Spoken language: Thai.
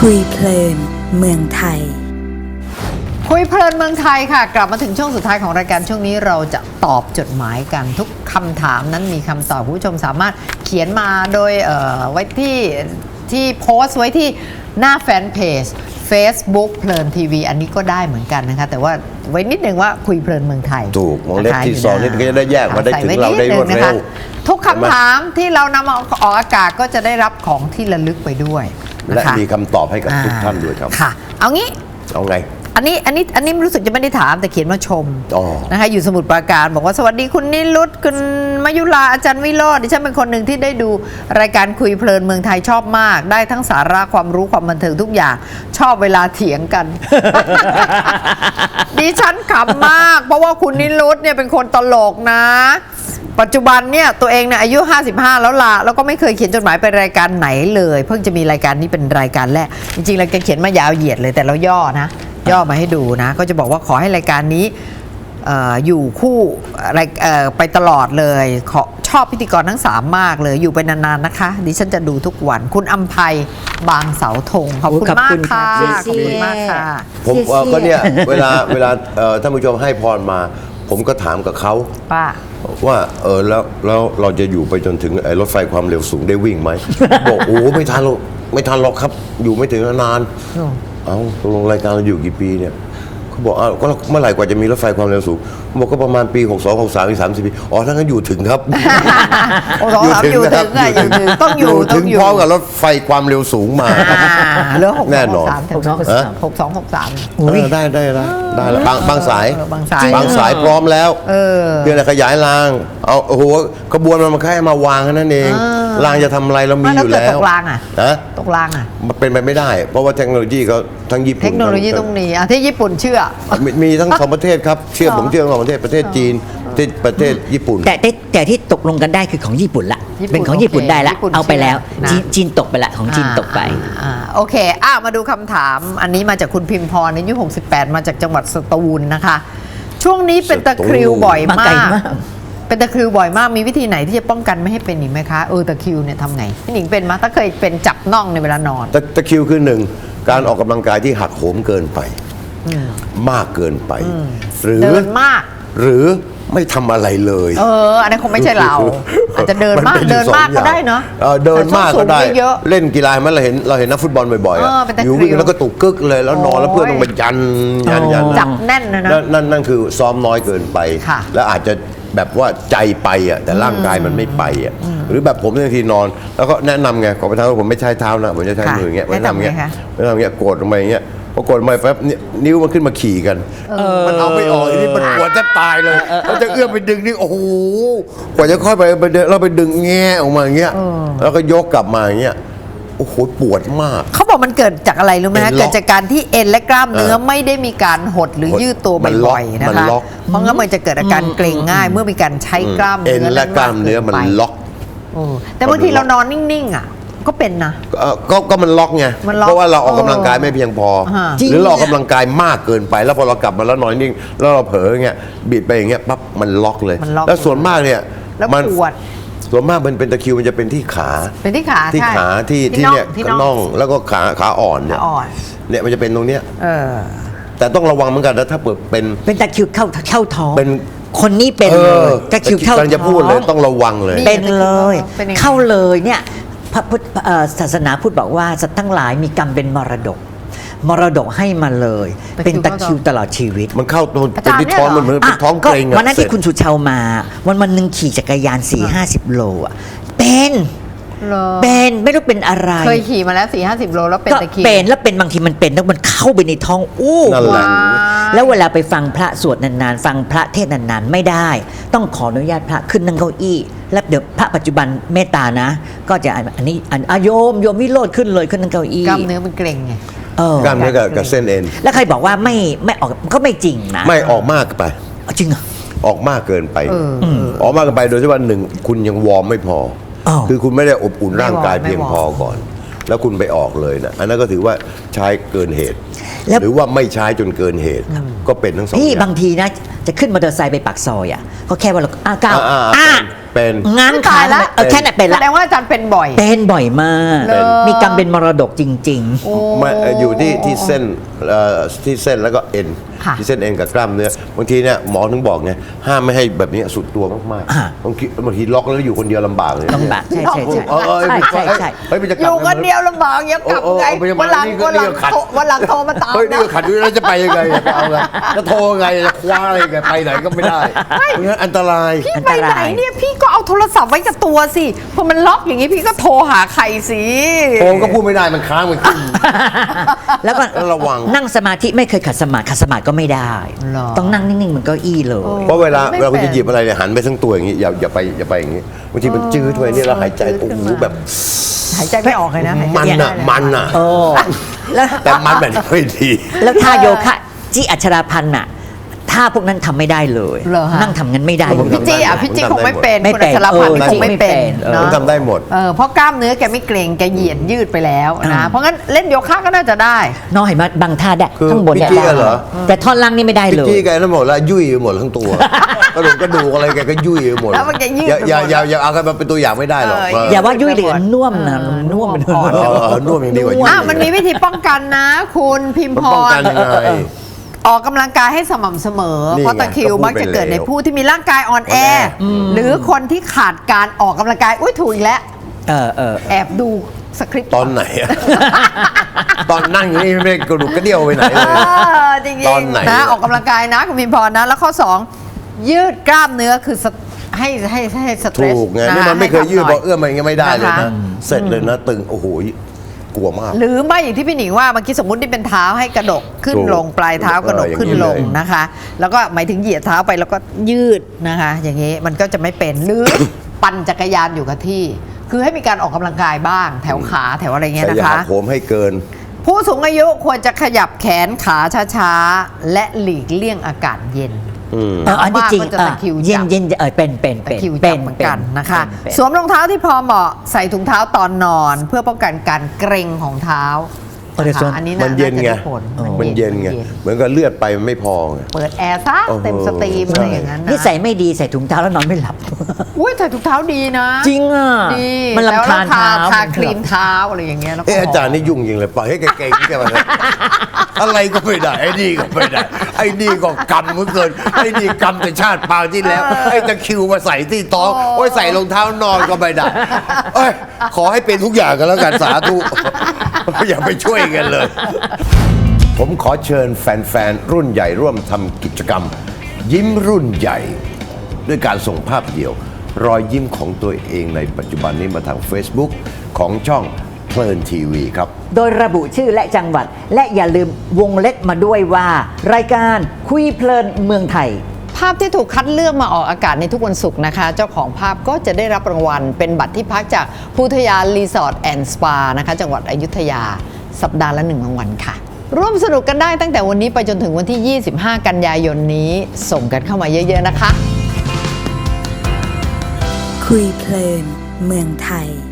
คุยเพลินเมืองไทยคุยเพลินเมืองไทยค่ะกลับมาถึงช่วงสุดท้ายของรายการช่วงนี้เราจะตอบจดหมายกันทุกคำถามนั้นมีคำตอบคุณผู้ชมสามารถเขียนมาโดยไว้ที่โพสต์ไว้ที่หน้าแฟนเพจ Facebook เพลินทีวีอันนี้ก็ได้เหมือ นกันนะคะแต่ว่าไว้นิดนึงว่าคุยเพลินเมืองไทยถูกวงเล็บที่สองนี่ก็จะได้แยกมาได้ถึงเราได้รวดเร็วทุกคำถามที่เรานำมาออกอากาศก็จะได้รับของที่ระลึกไปด้วยและมีคำตอบให้กับทุกท่านด้วยครับค่ะเอางี้เอาไงอันนี้รู้สึกจะไม่ได้ถามแต่เขียนมาชม นะคะอยู่สมุทรปราการบอกว่าสวัสดีคุณนิรุตคุณมยุราอาจารย์วิโรจน์ดิฉันเป็นคนหนึ่งที่ได้ดูรายการคุยเพลินเมืองไทยชอบมากได้ทั้งสาระความรู้ความบันเทิงทุกอย่างชอบเวลาเถียงกัน ดิฉันขำมากเพราะว่าคุณนิรุตเนี่ยเป็นคนตลกนะ ปัจจุบันเนี่ยตัวเองเนี่ยอายุ55แล้วล่ะแล้วก็ไม่เคยเขียนจดหมายไปรายการไหนเลยเพิ่งจะมีรายการนี้เป็นรายการแรกจริงๆเราจะเขียนมายาวเหยียดเลยแต่เราย่อมาให้ดูนะก็จะบอกว่าขอให้รายการนี้อยู่คู่ไปตลอดเลยชอบพิธีกรทั้ง3มากเลยอยู่ไปนานๆนะคะดิฉันจะดูทุกวันคุณอำไพบางเสาธงขอบคุณมากค่ะขอบคุณมากค่ะผมก็เนี่ยเวลาท่านผู้ชมให้พรมาผมก็ถามกับเขาว่าแล้วเราจะอยู่ไปจนถึงรถไฟความเร็วสูงได้วิ่งไหม บอกโอ้ไม่ทันหรอกครับอยู่ไม่ถึงนานเอาลงรายการเราอยู่กี่ปีเนี่ยเขาบอกก็เมื่อไหร่กว่าจะมีรถไฟความเร็วสูงบอกก็ประมาณปี62 63อีก30 ปีอ๋อถ้างั้นอยู่ถึงครับอยู่ถึงต้องอยู่ถึงพร้อมกับรถไฟความเร็วสูงมาเรื่องแน่นอน 6263 ได้แล้วบางสายพร้อมแล้วเพียงแต่ขยายรางเอาโอ้โหขบวนมันแค่มาวางแค่นั้นเองรางจะทำอะไรเรามีอยู่แล้วตกรางตกรางมันเป็นไปไม่ได้เพราะว่าเทคโนโลยีเขาทั้งญี่ปุ่นเทคโนโลยีต้องมีที่ญี่ปุ่นเชื่อมีทั้ง2ประเทศครับเชื่อผมเชื่อ2ประเทศจีนประเทศญี่ปุ่นแต่ที่ตกลงกันได้คือของญี่ปุ่นละเป็นของญี่ปุ่นได้ละเอาไปแล้วจีนตกไปละของจีนตกไปโอเคมาดูคำถามอันนี้มาจากคุณพิมพรอายุ68มาจากจังหวัดสตูลนะคะช่วงนี้เป็นตะคริวบ่อยมากเป็นตะคริวบ่อยมากมีวิธีไหนที่จะป้องกันไม่ให้เป็นอีกไหมคะตะคริวเนี่ยทำไงพี่หนิงเป็นมั้ยถ้าเคยเป็นจับน่องในเวลานอนตะคริวคือ1การออกกำลังกายที่หักโหมเกินไปมากเกินไปหรือเดินมากหรือไม่ทำอะไรเลยอันนั้นคงไม่ใช่เราอาจจะเดินมากก็ได้เนาะเดินมากก็ได้เล่นกีฬามันเราเห็นนักฟุตบอลบ่อยๆอยู่วิ่งแล้วก็ตุกกึกเลยแล้วนอนแล้วเพื่อนต้องไปยันจับแน่นนะนั่นคือซ้อมน้อยเกินไปแล้วอาจจะแบบว่าใจไปแต่ร่างกายมันไม่ไปหรือแบบผมบางทีนอนแล้วก็แนะนำไงขอไปทางผมไม่ใช้เท้านะผมจะใช้มืออย่างเงี้ยแนะนำอย่างเงี้ยกดลงไปอย่างเงี้ยพอกดลงไปแป๊บนิ้วมันขึ้นมาขี่กันมันเอาไม่ออกนี่มันปวดแทบตายเลยเราจะเอื้อมไปดึงนี่โอ้โหกว่าจะค่อยไปเราไปดึงแง่ออกมาอย่างเงี้ยแล้วก็ยกกลับมาอย่างเงี้ยโอ้โหปวดมากเขาบอกมันเกิดจากอะไรรู้ไหมเกิดจากการที่เอ็นและกล้ามเนื้อไม่ได้มีการหดหรือยืดตัวบ่อยๆนะคะเพราะงั้นมันจะเกิดอาการเกร็งง่ายเมื่อมีการใช้กล้ามเนื้อเอ็นและกล้ามเนื้อมันล็อกแต่บางทีเรานอนนิ่งๆก็เป็นนะก็มันล็อกไงเพราะว่าเราออกกำลังกายไม่เพียงพอหรือเราออกกำลังกายมากเกินไปแล้วพอเรากลับมาแล้วนอนนิ่งแล้วเราเผลออย่างเงี้ยบิดไปอย่างเงี้ยปั๊บมันล็อกเลยแล้วส่วนมากเนี่ยมันปวดส่วนมากมันเป็นตะคริวมันจะเป็นที่ขาที่ขาที่เนี่ยน่องแล้วก็ขาอ่อนเนี่ยมันจะเป็นตรงเนี้ยแต่ต้องระวังเหมือนกันนะถ้าเป็นตะคริวเข้าท้องเป็นคนนี้เป็นตะคริวเข้าท้องจะพูดเลยต้องระวังเลยเป็นเลยเข้าเลยเนี่ยพระพุทธศาสนาพุทธบอกว่าสัตว์ทั้งหลายมีกรรมเป็นมรดกให้มาเลยเป็นตะคริวตลอดชีวิตมันเข้าเป็นที่ท้องมันเหมือนเป็นท้องเกร็งวันนั้นที่คุณสุชาวมาวันหนึ่งขี่จักรยาน 4-50 โลเป็นไม่รู้เป็นอะไรเคยขี่มาแล้ว 4-50 โลแล้วเป็นตะคริวแล้วเป็นบางทีมันเป็นแล้วมันเข้าไปในท้องนั่นแหละแล้วเวลาไปฟังพระสวดนานๆฟังพระเทศนานๆไม่ได้ต้องขออนุญาตพระขึ้นนั่งเก้าอี้แล้วเดี๋ยวพระปัจจุบันเมตตานะก็จะอันนี้โยมวิโรจน์ขึ้นเลยขึ้นนั่งเก้าอี้กล้ามเนื้อมันเกร็งไงกล้ามเนื้อกับเส้นเอ็นแล้วใครบอกว่าไม่ออกก็ไม่จริงนะไม่ออกมากไปจริงเหรอออกมากเกินไปออกมากเกินไปโดยที่ว่า1คุณยังวอร์มไม่พอคือคุณไม่ได้อบอุ่นร่างกายเพียงพอก่อนแล้วคุณไปออกเลยนะอันนั้นก็ถือว่าใช้เกินเหตุหรือว่าไม่ใช้จนเกินเหตุก็เป็นทั้งสองอย่างบางทีนะจะขึ้นมอเตอร์ไซค์ไปปากซอยอ่ะก็แค่ว่าเราก้าวเป็นง้างขาตายละแค่นั้นเป็นแสละดงว่าอาจารย์เป็นบ่อยเป็นบ่อยมากเหรอมีกรรมเป็นมรดกจริงไม่อยู่ที่เส้นที่เส้นแล้วก็เอ็นค่ะที่เส้นเอ็นกับกล้ามเนื้อบางทีเนี่ยหมอถึงบอกไงห้ามไม่ให้แบบนี้สุดตัวมากๆบางทีล็อกแล้วอยู่คนเดียวลำบากเลยๆลำบากใช่ใช่ใช่ใช่ใช่เฮ้ยมันจะกอลับยู่คนเดียวลำบากยังกลับไง วันหลังโทรมาตามเฮ้ยนี่นะก็ขัดอยู่แล้วจะไปยังไงจะเอาไงจะโทรไงจะคว้าอะไรไงไปไหนก็ไม่ได้เพราะงั้นอันตรายพี่ไปไหนเนี่ยพี่ก็เอาโทรศัพท์ไว้กับตัวสิพอมันล็อกอย่างนี้พี่ก็โทรหาใครสิโทรก็พูดไม่ได้มันค้างมันขึ้นแล้วก็ระวังนั่งสมาธิไม่เคยขัดสมาธิก็ไม่ได้ ต้องนั่งนิ่งๆเหมือนเก้าอี้เลยเพราะเวลาคุณจะหยิบอะไรเนี่ยหันไปทั้งตัวอย่างนี้อย่าไปอย่างนี้บางทีมันจืดไว้นี่เราหายใจโอ้โหแบบหายใจไม่ออกเลยนะหายใจมันไได้อ่ะมันอ่ะโอ้แล้วแต่มันแบบไม่ดีแล้วท่าโยคะจี้อัชราพันธ์น่ะท่าพวกนั้นทำไม่ได้เลยเหรอฮะนั่งทำงั้นไม่ได้ผมพี่จี้อ่ะพี่จี้คงไม่เป็นไม่คุณเป็อันชรพันธ์เออคงไม่เป็นเออเนาะผมทำได้หมดเพราะกล้ามเนื้อแกไม่เกร็งแกเหยียดยืดไปแล้วนะเพราะงั้นเล่นโยคะก็น่าจะได้น้องเห็นไหมบางท่าได้คือข้างบนเนี่ยพี่จี้ได้เหรอแต่ท่อนล่างนี่ไม่ได้พี่เลยจี้แกนั่นหมดแล้วยุ่ยหมดทั้งตัวกระดูกอะไรแกก็ยุ่ยหมดแล้วมันจะยืดอย่าเอากันมาเป็นตัวอย่างไม่ได้หรอกอย่าว่ายุ่ยเลยน่วมนะน่วมไปเลยน่วมอย่างดีกว่ายุ่ยมันมีวิธีป้องกันนะ คุณพิมมันพป้องรกันยังไงออกกำลังกายให้สม่ำเสมอนี่ไงเพราะตะคริวก็พูดมักจะเกิดไปแล้วในผู้ที่มีร่างกายอ่อนแอ หรือคนที่ขาดการออกกำลังกายอุ้ยถูกอีกแล้ว แอบดูสคริปต์ตอนไหนอะ ตอนนั่งอยู่นี่ไม่ได้กระดูกกระเดี่ยวไปไหนเลยจริงตอนไหนๆนะออกกำลังกายนะคุณพิมพรนะ แล้วข้อ 2 ยืดกล้ามเนื้อคือให้สเตรสถูกไงนี่มันไม่เคยยืดบอกเอื้อมมันยังไม่ได้เลยนะคะนะเสร็จเลยนะตึงโอ้โหกลัวมากหรือไม่อย่างที่พี่หนิงว่าเมื่อกี้สมมติที่เป็นเท้าให้กระดกขึ้นถูกลงปลายเท้ากระดกอย่างนี้ขึ้นลงเลยนะคะ แล้วก็หมายถึงเหยียดเท้าไปแล้วก็ยืดนะคะ อย่างนี้มันก็จะไม่เป็นหรือ ปั่นจักรยานอยู่กับที่ คือให้มีการออกกำลังกายบ้าง แถวขาแถวอะไรเงี้ยแต่นะอย่าคะหักโหมให้เกินผู้สูงอายุควรจะขยับแขนขาช้าๆ และหลีกเลี่ยงอากาศเย็นอันนี้จริงมากก็จะตะคริวจับเย็นเป็นตะคริวจับเหมือนกันนะคะเป็นสวมรองเท้าที่พอเหมาะใส่ถุงเท้าตอนนอน เพื่อป้องกันการเกร็งของเท้านะคะอันนี้มันเย็นไงาจะด้ผลมันเย็นไงเหมือนกับเลือดไปมันไม่พอไงเปิดแอร์ซะเต็มสตรีมอะไรอย่างนั้นนะนิสัยไม่ดีใส่ถุงเท้าแล้วนอนไม่หลับอุ้ยใส่ถุงเท้าดีนะจริงอ่ะดีมันรำคาญแล้วเท้าทาครีมเท้าอะไรอย่างเงี้ยแล้วก็อาจารย์นี่ยุ่งจริงเลยปล่อยให้แกเก่งๆแกมาเลยอะไรก็ไม่ได้ไอ้นี่ก็ไม่ได้ไอ้นี่ก็กำเหมือนเกินไอ้นี่กำแต่ชาติปางที่แล้วไอ้ตะคริวมาใส่ที่ท้องโอ้ยใส่รองเท้านอนก็ไม่ได้เอ้ยขอให้เป็นทุกอย่างกันแล้วกันสาธุอย่าไปช่วยกันเลย ผมขอเชิญแฟนๆรุ่นใหญ่ร่วมทำกิจกรรม ยิ้มรุ่นใหญ่ ด้วยการส่งภาพเดี่ยว รอยยิ้มของตัวเองในปัจจุบันนี้มาทาง Facebook ของช่องเพลินทีวีครับโดยระบุชื่อและจังหวัด และอย่าลืมวงเล็บมาด้วยว่า รายการคุยเพลินเมืองไทยภาพที่ถูกคัดเลือกมาออกอากาศในทุกวันศุกร์นะคะ เจ้าของภาพก็จะได้รับรางวัล เป็นบัตรที่พักจากพุทธยารีสอร์ทแอนด์สปานะคะจังหวัดอยุธยา สัปดาห์ละ1รางวัลค่ะ ร่วมสนุกกันได้ตั้งแต่วันนี้ไปจนถึงวันที่ 25 กันยายนนี้ส่งกันเข้ามาเยอะๆนะคะคุยเพลินเมืองไทย